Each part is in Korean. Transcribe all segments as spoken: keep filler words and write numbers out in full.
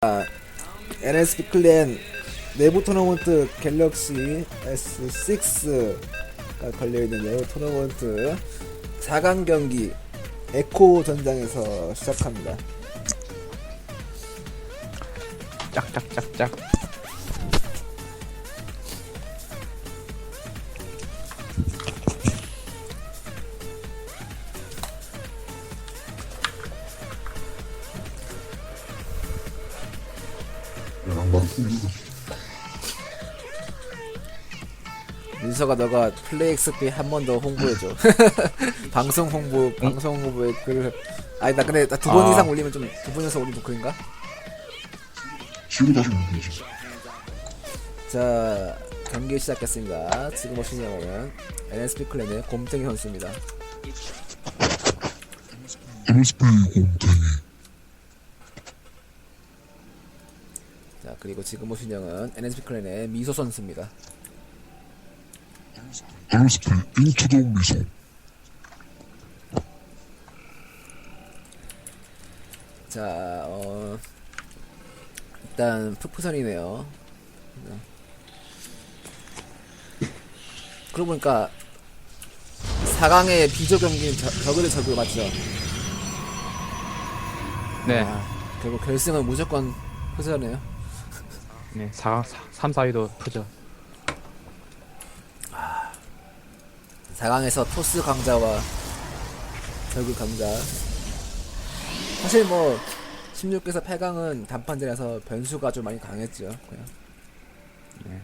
엔에스피 클랜 내부 토너먼트 갤럭시 에스 식스가 걸려있는 내부 토너먼트 사 강 경기 에코 전장에서 시작합니다. 짝짝짝짝. 민서가 너가 플레이 엑스피 한 번 더 홍보해줘. 방송 홍보, 방송 홍보에 글. 아니 나 근데 나 두 번 아. 이상 올리면 좀 두 번 이상 올리면 그인가? 지금 다시 보면 되지. 자 경기 시작했습니다. 지금 보시는 영화는 엔에스피 클랜의 곰탱이 선수입니다. 엔에스피 곰탱이. 자 그리고 지금 보시는 영화는 엔에스피 클랜의 미소 선수입니다. 엔에스피 인투 더 미소. 자, 어, 일단 푸푸선이네요. 그러고 보니까 사 강의 비조 경기는 저, 저그대 저그 맞죠? 네. 아, 결국 결승은 무조건 푸전이에요. 네. 사, 삼, 사 위도 푸죠. 사 강에서 토스 강자와 저그 강자. 사실 뭐 십육 에서 팔 강은 단판전이라서 변수가 좀 많이 강했죠. 그냥. 네.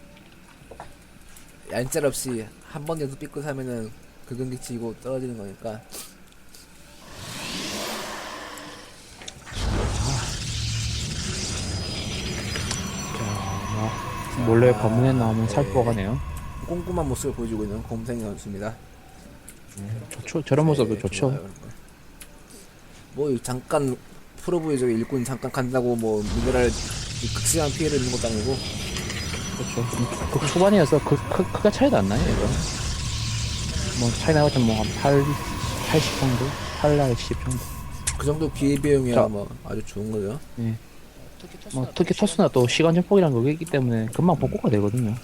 얄짤없이 한 번 연속 삐끗하면은 그 경기 치고 떨어지는 거니까. 자, 뭐, 몰래 검문에 나오면 살포가네요. 꼼꼼한 모습을 보여주고 있는 곰탱이 선수입니다. 좋죠. 저런 모습도 좋죠. 좋아요. 뭐 잠깐 프로브에 저기 일꾼 잠깐 간다고 뭐 미네랄 극심한 피해를 입는 것도 아니고. 그렇죠. 그 초반이어서 그, 크, 크가 차이도 안 나요, 이거. 뭐, 차이 나봤자 뭐, 한 팔, 팔십 정도? 팔, 십 정도. 그 정도 기회비용이야 자. 뭐 아주 좋은 거죠. 예. 뭐, 특히 토스나 또 시간 증폭이라는 거 있기 때문에 금방 복구가 되거든요.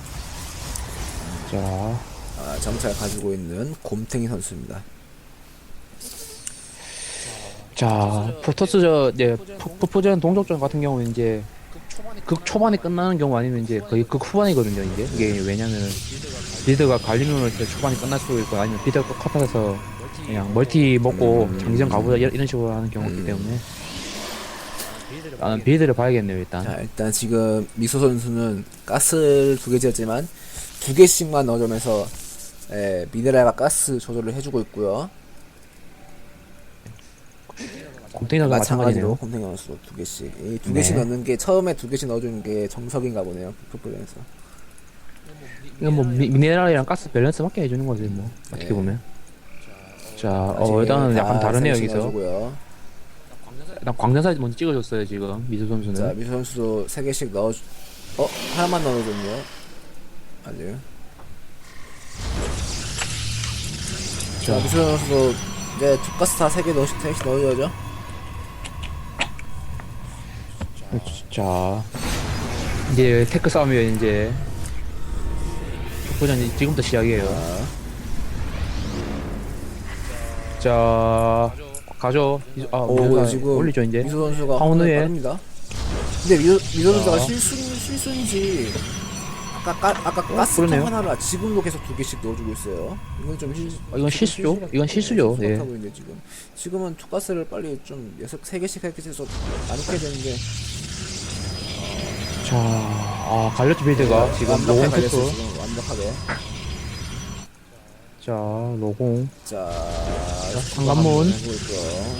자, 아, 정찰 가지고 있는 곰탱이 선수입니다. 자, 프로토스 저, 이제, 푸푸전 동족전 같은 경우는 이제, 극 초반에 끝나는 경우 아니면 이제 거의 극 후반이거든요, 이게. 이게 왜냐면은, 비드가 갈리면을 때 초반에 끝날 수도 있고, 아니면 비드가 컷하면서 그냥 멀티 먹고 음. 장기전 가보자, 이런 이런 식으로 하는 경우가 있기 음. 때문에. 나는 비드를 봐야겠네요, 일단. 자 일단 지금 미소 선수는 가스를 두 개 지었지만 두 개씩만 넣어주면서 예, 미네랄과 가스 조절을 해주고 있고요. 곰탱이도 마찬가지로 마찬가지네요. 곰탱이 선수 두 개씩 이 두 네. 개씩 넣는 게 처음에 두 개씩 넣어주는 게 정석인가 보네요. 풋볼에서. 이건 뭐, 미, 미네랄이랑 가스 밸런스 맞게 해주는 거지, 뭐. 어떻게 네. 보면. 자, 어, 일단은 약간 다르네요, 여기서. 넣어주고요. 일단 광전사 먼저 찍어줬어요, 지금. 미수 선수는. 자 미소 선수도 세 개씩 넣어주. 어 하나만 넣어줬네요. 아니요. 자 미소 선수도 이제 투가스 다 세 개 넣으시 세 개씩 넣어줘야죠. 자, 이제 테크 싸움이에요, 이제. 족보전 지금부터 시작이에요. 자, 가죠. 이- 아, 오 미소가 지금 올리죠, 이제. 미소 선수가 황운우의. 빠릅니다. 근데 미소 미소 선수가 자. 실수 실수인지 아까 까, 아까 어, 가스통 그러네요. 하나를 지금도 계속 두 개씩 넣어주고 있어요. 이건 좀 실. 아, 이건 실수죠? 이건 실수죠, 예. 하고 있는데 지금 지금은 투가스를 빨리 좀 여섯 세 개씩 세 개씩 해서 나누게 되는데 자, 아, 갈렸지, 빌드가. 지금 완벽하게 로공 갈렸어요. 테크. 지금 완벽하게. 자, 로공. 자, 상관문. 하고 있고요.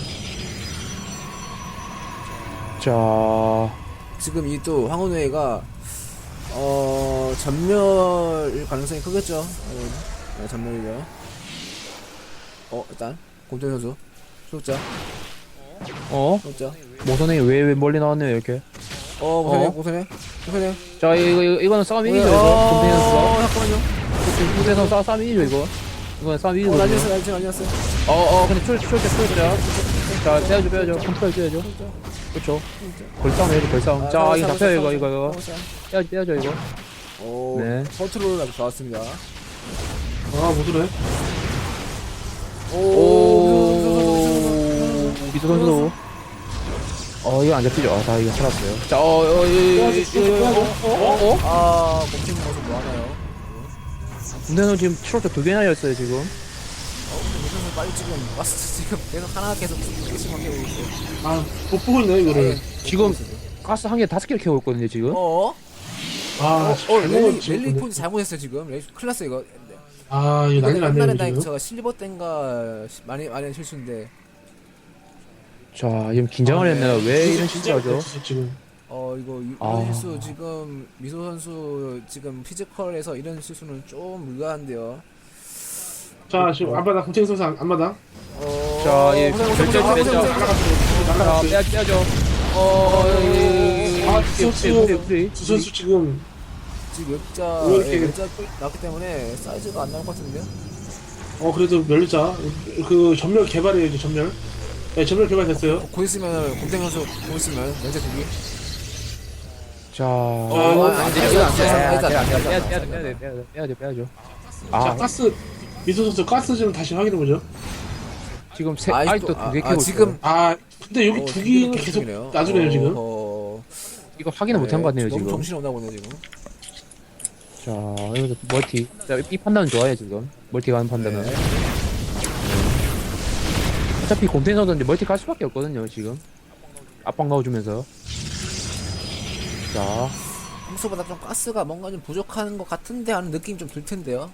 자, 지금 이 또 황혼회가 어 전멸일 가능성이 크겠죠. 네, 전멸이죠. 어 일단 곰탱이 선수 소자 어? 소자. 모선이 왜, 왜 멀리 나왔네요, 이렇게. 어 고생해 어? 고생해 고생해. 자, 이거, 이거, 이거는 싸움 이기죠, 이거. 어 곰탱이 선수가. 잠깐만요. 무대에서 싸, 싸움 이기죠, 이거. 이건 싸움 어 이기거든요. 난리났어 난리났어 난리났어. 어, 어, 근데 출, 출자, 출자. 자, 빼야죠, 빼야죠. 컨트롤 빼야죠. 그쵸. 벌싸움 해야지, 벌싸움. 자, 이거 잡혀요, 이거, 이거, 이거. 빼야죠, 빼야죠, 이거. 오, 네. 컨트롤 아주 좋았습니다. 아못 들어요. 오, 미소 선수. 어, 이거 안 잡히죠. 아, 다 이거 살았어요. 자, 어, 어, 이거, 이거, 이거, 어, 어, 어? 아, 곰탱이 모습 뭐 하나요? 군대는 지금 트로트 두 개나 였어요, 지금. 무슨 빨리 지금 가스 지금 계속 하나 계속 두 개씩 만들고 있어요. 아못 보고 있네 이거를. 지금 가스 한 개 다섯 개를 캐고 있거든요, 지금. 어? 아 어, 어 잘못 랠리, 지금. 랠리 포인트 잘못했어요 지금. 랠리 큰일 났어 이거. 아 이거 난리 났네요 옛날에 나 지금. 제가 실버 땐가 시- 많이 많이 실수인데. 자, 지금 긴장을 아, 했나요? 네. 왜 이런 진짜 실수를 하죠? 진짜 지금. 어 이거 이- 아. 이런 실수 지금 미소 선수 지금 피지컬에서 이런 실수는 좀 의아한데요. 자 지금 안마당 공채 선수 안- 안마당. 어, 자, 예, 고생, 고생, 결정, 고생, 고생, 결정. 고생, 고생. 자, 날아갔어요. 빼야, 빼야죠. 어, 아, 아, 두 선수 두 선수 지금 지금 역자 왜 이렇게- 예, 역자 나왔기 때문에 사이즈가 안 나올 것 같은데요? 어 그래도 멸자 그 전멸 개발이에요 전멸. 네 전멸 개발됐어요. 어, 곧 있으면 곰탱이 선수 곧 있으면 연재 두기. 자, 아, 이거 아니, 안 아니, 돼, 아니, 이거 안 아니, 돼. 아니, 안 돼, 아니, 안 돼, 아니, 빼야 아니, 돼, 아니, 빼야 돼, 빼야 돼, 빼야죠. 자 아, 가스 미소 선수 가스 좀 다시 확인해 보죠. 지금 세, 아직도- 아직도 아, 두 개 아, 캐고 지금- 있어요. 아 근데 여기 어, 두 두 개는 개를 계속 중이네요. 놔주네요 지금. 어, 이거 확인을 못한 것 같네요, 너무 지금. 정신이 없나 보네 지금. 자, 여기서 멀티. 자, 이 판단은 좋아요, 지금. 멀티 가는 판단은. 네. 어차피 곰탱이선도 이제 멀티 갈 수밖에 없거든요, 지금. 압박 넣어주면서. 자, 평소보다 좀 가스가 뭔가 좀 부족한 것 같은데 하는 느낌이 좀 들 텐데요.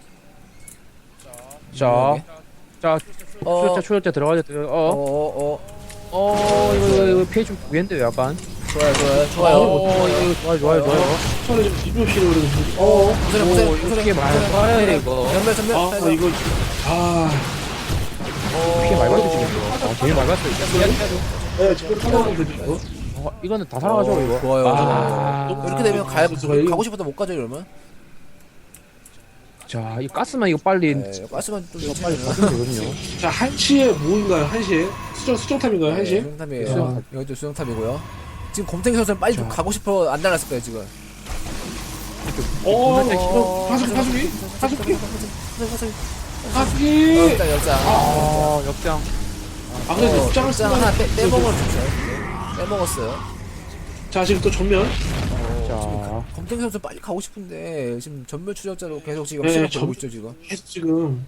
자, 자, 어. 추적자, 추적자 들어가죠, 들어, 어, 어, 어, 어, 어, 이거, 이거, 이거 피해 좀 보겠는데요, 약간. 좋아요, 좋아요, 좋아요. 어, 이거, 이거 좋아요, 좋아요, 좋아요. 처음에 좀 비교시로 그래도 어. 고생, 오, 고생, 이거 고생, 피해 많이 고생. 받아야 이거. 전멸, 전멸. 아 해야죠. 이거 아 피해 많이 받았죠, 지금 이거. 아, 되게 많이 받았어요. 네, 지금 상황은 되죠. 어, 이거는 다 살아가죠, 어, 이거. 좋아요, 아, 좋아요. 이렇게 되면 가, 선수가 이거- 가고 싶어도 못 가죠, 이러면. 자, 이 가스만 이거 빨리, 네, 가스만 좀 이거 빨리 괜찮으면. 받으면 되거든요. 자 한시에 뭐인가요? 한시에 수정 수정탑인가요? 한시에? 수정탑이에요. 수정탑. 이것도 수정탑이고요. 지금 곰탱이 선수는 빨리 좀 자. 가고 싶어 안 달랐을 거예요, 지금. 어, 어, 어, 파수기 파수기 파수기 어, 파수기. 역장, 역장. 아, 역장. 아 근데 어, 입장을 역장 하나 빼, 빼먹었어요. 빼먹었어요. 자 지금 또 전면. 자, 검탱이 선수 빨리 가고 싶은데 지금 전멸 추적자로 계속 지금 네, 시간 전- 벌고 있죠 지금. 계속 지금.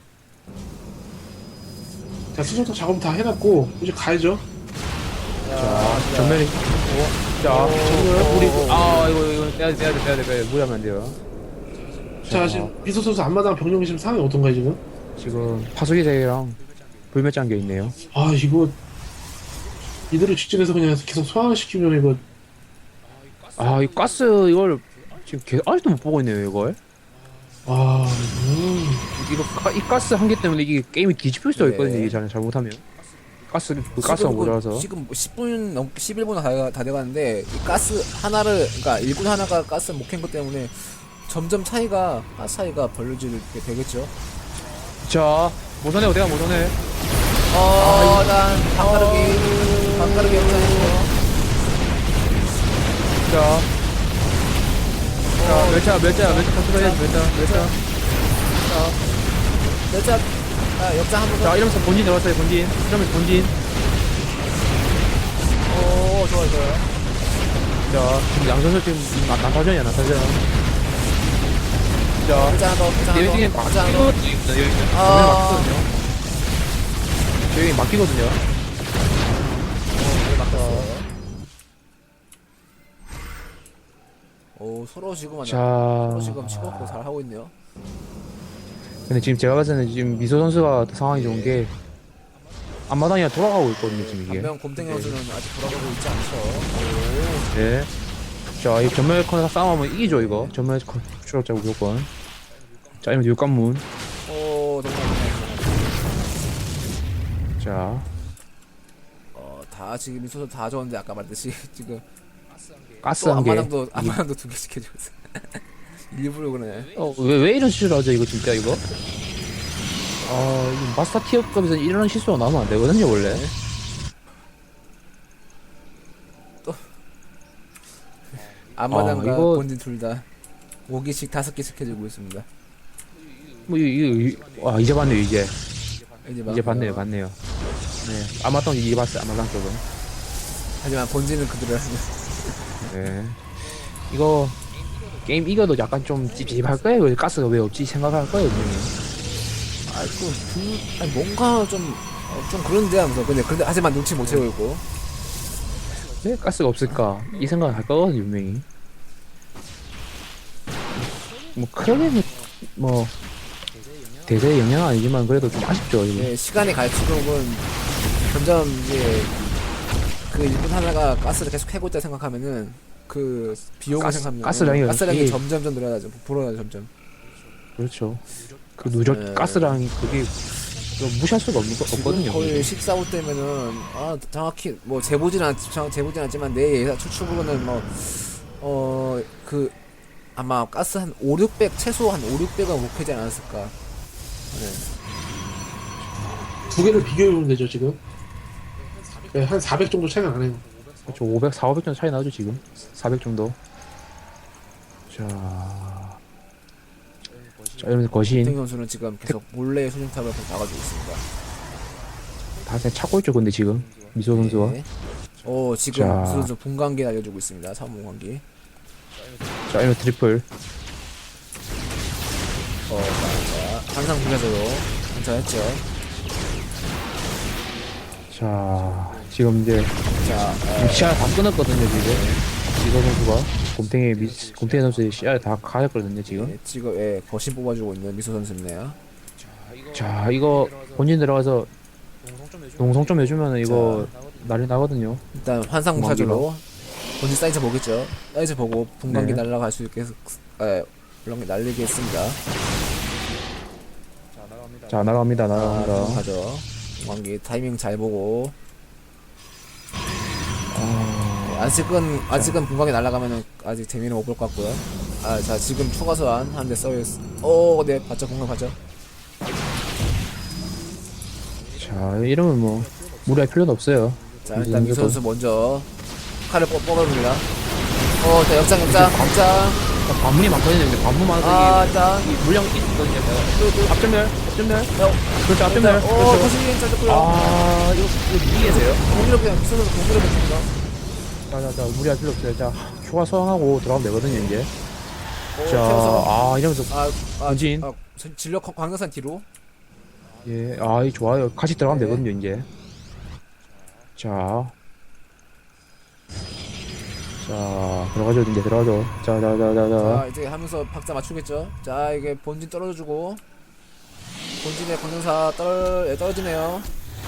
자 수정탑 작업 다 해놨고 이제 가야죠. 자, 전면이. 자, 우리, 아, 이거, 이거 빼야 돼, 빼야 돼, 빼야 돼, 빼야 돼. 무리하면 안 돼요. 자 지금 미소 선수 앞마당 병력이 지금 상황이 어떤가요 지금? 지금 파수기 대랑 불멸 장겨 있네요. 아 이거 이대로 직진해서 그냥 계속 소환시키면 이거 아, 이 가스 이걸 지금 계속 아직도 못 보고 있네요, 이걸. 아 음. 이거 가, 이 가스 한 개 때문에 이게 게임이 뒤집힐 수도 네. 있거든요, 이게 잘, 잘못하면. 가스, 그 가스가 지금 그- 모자라서. 지금 십 분 넘 십일 분 다, 다 돼가는데 이 가스 하나를 그러니까 일꾼 하나가 가스 못 캔 것 때문에 점점 차이가 가스 차이가 벌어지게 되겠죠. 자, 모선해, 어디가 모선해. 어, 일단 방가르기 방가르기 역장이고요. 자. 자, 멸차, 멸차, 멸차 컨트롤 해야지, 멸차, 멸차. 여자 아, 역장 한번 자, 더. 이러면서 본진 들어갔어요, 본진. 이러면서 본진. 오, 좋아요, 좋아요. 자, 지금 양선수 지금 나- 난타전이야, 난타전. 자, 역장 하나 더, 역장 하나 여기 더, 역장 하나 더. 막히거든요, 여기. 아. 전면 막히거든요. 여기 막히거든요. 네, 맞았어요. 오, 서로 지금 아니야. 자, 서로 지금 치고받고 잘 하고 있네요. 근데 지금 제가 봤을 때는 지금 미소 선수가 상황이 좋은 게 앞마당이 돌아가고 있거든요, 지금 이게. 반면 곰탱이 선수는 아직 돌아가고 있지 않죠. 네. 자, 이 전멸 컨 싸움하면 이기죠, 이거. 전멸 컨 추적자 무조건. 자, 이러면 육관문. 오, 오, 너무 많이 자, 어, 다 지금 미소도 다 좋은데 아까 말했듯이 지금 가스 또 한 개. 앞마당도 앞마당도 두 개씩 해주고 있어. 일부러 그러네. 어, 왜, 왜 이런 실수를 하죠, 이거 진짜, 이거? 아, 이 마스터 티어급에서 이런 실수가 나오면 안 되거든요, 원래. 앞마당과 아, 이거- 본진 둘 다 오 개씩 다섯 개씩 해주고 있습니다. 뭐 이거 와 이제 봤네요 이제 이제, 이제 봤네요 봤네요. 네 아마당 이제 봤어요 아마당 쪽은. 하지만 본진은 그대로 하습니다. 네 이거 게임 이겨도 약간 좀 찝찝할 거예요. 가스가 왜 없지 생각할 거예요 분명히. 아이고 그, 아니, 뭔가 좀, 어, 좀 그런데 하면서 근데 근데 하지만 눈치 못 채우고 왜 가스가 없을까 이 생각을 할 거거든요 분명히. 뭐 크게 뭐 대세의 영향은 아니지만 그래도 좀 아쉽죠 이거. 네, 시간이 갈수록은 점점 이제 그 일꾼 하나가 가스를 계속 캐고 있다 생각하면은 그 비용을 가스- 생각하면 가스량이 가스량이 이게- 점점점 늘어나죠. 불어나죠 점점. 그렇죠. 그 누적 네. 가스량이 그게 좀 무시할 수가 없, 없거든요. 지금 거의 십사 호 때면은 아 정확히 뭐 재보진 않 정- 재보진 않지만 내 예상 추측으로는 뭐 어 그 아마 가스 한 오, 육백 최소 한 오, 육백은 못 캐지 않았을까. 네. 두 개를 비교해보면 되죠 지금. 네, 한 사백 정도 차이가 나네요. 그렇죠. 오백, 사백 정도 차이 나죠 지금. 사백 정도. 자, 자 이러면서 거신 김태경 선수는 지금 계속 몰래 수중탑을 계속 나가지고 있습니다. 다 그냥 찾고 있죠. 근데 지금 미소 선수가. 네. 오 지금 자. 미소 선수 분광기 날려주고 있습니다. 삼 분광기. 자 이러면 트리플. 어, 자, 항상 분야적으로 괜찮았죠. 자 지금 이제 자, 어, 시야 다 끊었거든요 지금. 미소 선수가 곰탱이 미 곰탱이 선수의 시야를 다 가졌거든요 지금. 네, 지금 예, 거신 뽑아주고 있는 미소 선수입니다. 자 이거 본진 들어가서 농성 좀 해주면은 이거 난리 나거든요. 일단 환상 무사조로 본진 사이즈 보겠죠. 사이즈 보고 분광기 네. 날아갈 수 있게 해서 예, 물론 날리게 했습니다. 자 날아갑니다 아, 날아갑니다. 가죠. 분광기 타이밍 잘 보고. 아, 네, 아직은 아직은 분광기 날아가면은 아직 재미는 못 볼 것 같고요. 아, 자 지금 추가 소환 한 대 써있. 오, 네, 봤죠, 분광 봤죠. 자 이러면 뭐 무리할 필요는 없어요. 자 이제 일단 미소 무조건. 선수 먼저 칼을 뽑 뽑아봅니다. 어, 자 역장 역장 역장. 자, 관문이 많거든요. 근데 관문 많아서 아, 이게 일단 이 물량이 있거든요. 또, 또, 앞전멸, 앞전멸. 어, 그렇죠, 앞전멸. 어, 그렇죠. 거신이 짜졌고요. 아 이거 이거 무리해서요. 공기로 그냥 미소 선수 공기로 뱉습니다. 자자자 무리할 필요 없어요. 자 휴가 소환하고 들어가면 되거든요 이제. 어, 자 태워서. 아 이러면서 아, 아, 본진. 아, 전- 진력 광- 광역산 뒤로. 예, 아, 이 좋아요. 같이 들어가면 네. 되거든요, 이제. 자. 자, 들어가죠, 이제 들어가죠. 자, 자, 자, 자, 자. 자, 이제 하면서 박자 맞추겠죠. 자, 이게 본진 떨어져주고 본진의 광역사 떨 예, 떨어지네요.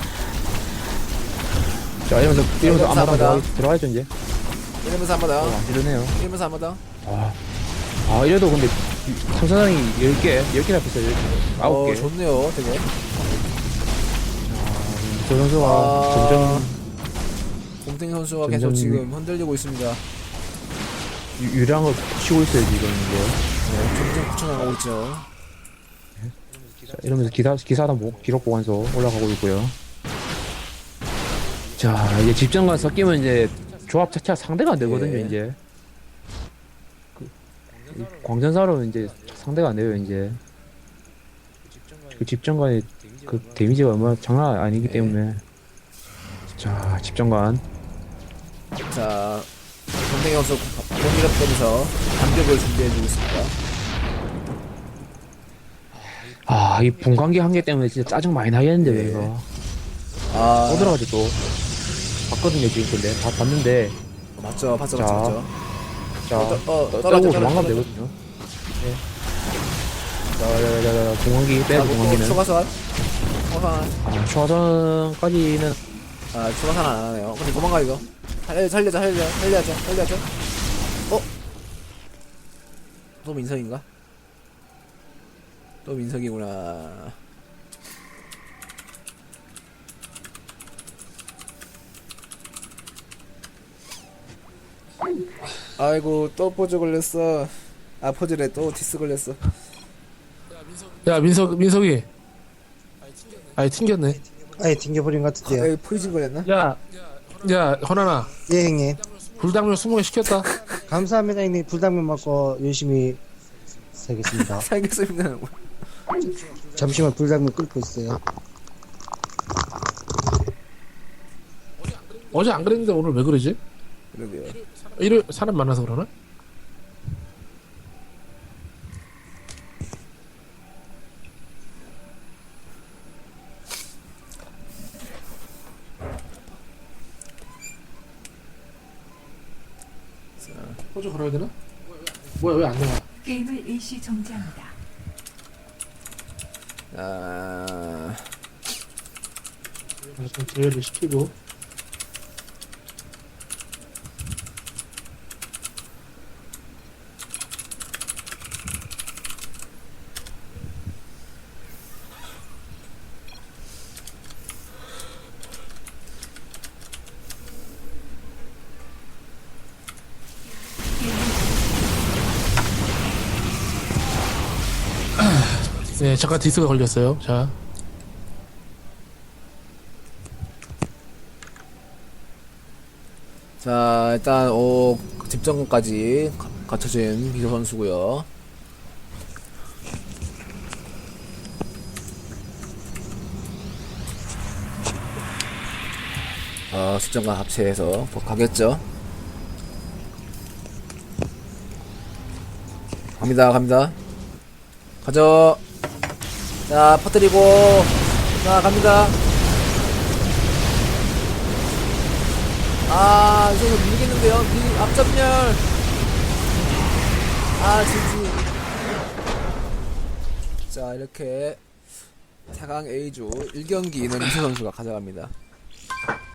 자, 이러면서, 이러면서 감사, 아마당 감사. 들어가, 들어가죠, 이제. 이러면서 한마당. 어, 안 이러네요. 이러면서 한마당. 아, 아, 이래도 근데, 청사장이 열 개, 열 개나 있어요, 열 개. 아홉 개. 어, 좋네요, 되게. 저 선수가 아. 점점 곰탱이 선수가 점점- 계속 지금 흔들리고 있습니다. 유- 유량을 치고 있어요, 지금, 이제. 네, 점점 구천나가고 있죠. 자, 이러면서 기사, 기사단 보, 기록 보관소 올라가고 있고요. 자, 이제 집정관 섞이면 이제 조합 자체가 상대가 안 되거든요, 예. 이제. 그, 이 광전사로 이제 상대가 안 돼요, 이제. 그 집정관의 그 데미지가 얼마나 장난 아니기 예. 때문에. 자, 집정관. 자, 곰탱이 선수 공기를 빼면서 반격을 준비해주고 있습니다. 아, 이 분광기 한 개 때문에 진짜 짜증 많이 나겠는데, 예. 이거. 아, 또 들어가죠, 또. 봤거든요, 지금 근데. 다 봤는데. 맞죠, 봤죠, 자. 맞죠, 맞죠. 자, 어, 어, 떠- 떨어져, 떠고 떨어져, 도망가면 떨어져. 되거든요. 네. 자, 자, 자, 자, 공항기 자, 빼고 뭐, 공항기는. 추가 소환. 추가 소환. 아, 초화전까지는 아, 추가 소환 안 하네요. 근데 도망가 이거. 살려, 살려자, 살려, 살려야죠, 살려야죠. 어? 또 민석인가? 또 민석이구나. 아이고, 또 포즈 걸렸어. 아, 포즈래, 또 디스 걸렸어. 야 민석 민석이 아이 튕겼네. 아예 튕겨버린 것 아, 같은데요. 여기 포이즌 걸렸나? 야, 야 허나나 예, 형님. 불당면 스무 개 시켰다. 감사합니다, 형님. 불당면 먹고 열심히 살겠습니다. 살겠습니다. 잠시만 불당면 끓고 있어요. 어제 안 그랬는데 오늘 왜 그러지? 그러게요. 일요일 사람 많아서 그러나? 호주 걸어야 되나? 뭐야 왜 안 나와? 게임을 일시 정지합니다. 아, 일단 제외를 시키고. 네 잠깐 디스가 걸렸어요. 자 자 일단 오 집정까지 갖춰진 비서 선수고요. 어, 집정과 합체해서 곧 가겠죠. 갑니다, 갑니다. 가죠. 자, 퍼뜨리고, 자, 갑니다. 아, 이거 밀겠는데요? 밀, 앞전멸. 아, 지지. 자, 이렇게 사 강 A조 일 경기는 이수 선수가 가져갑니다.